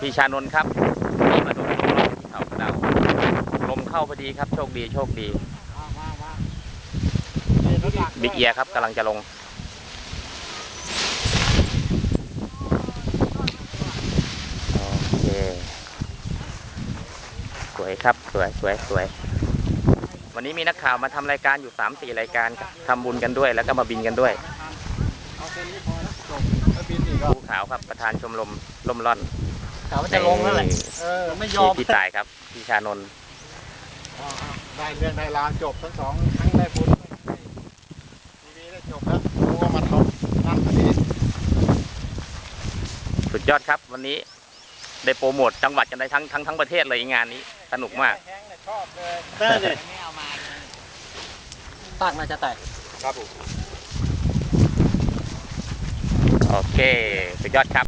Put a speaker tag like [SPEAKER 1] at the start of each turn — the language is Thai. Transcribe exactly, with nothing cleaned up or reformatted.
[SPEAKER 1] พี่ชานนท์ครับนี่มาดูที่เขากระเดาลมเข้าพอดีครับโชคดีโชคดีบิ๊กเอียครับกำลังจะลงโอเคสวยครับสวยสวยสวยวันนี้มีนักข่าวมาทำรายการอยู่ สามสี่ รายการทำบุญกันด้วยแล้วก็มาบินกันด้วยภูขาวครับประธานชมรมล่มล่อน
[SPEAKER 2] เขาจะลงแล้วแหละเออไม่ยอม
[SPEAKER 1] พี่ตายครับพี่ชานนท์
[SPEAKER 2] ได้เรื่องได้ราวจบทั้งสองทั้งได้บุญทีวีได้จบแล้วรู้ว่ามันลงนั่นพอดี
[SPEAKER 1] สุดยอดครับวันนี้ได้โปรโมทจังหวัดกันได้ทั้งทั้งทั้งประเทศเลยงานนี้สนุกมาก
[SPEAKER 2] ชอบเลยเต้เลยไม่เอามาปากน่าจะแตกครับผม
[SPEAKER 1] โอเคสุดยอดครับ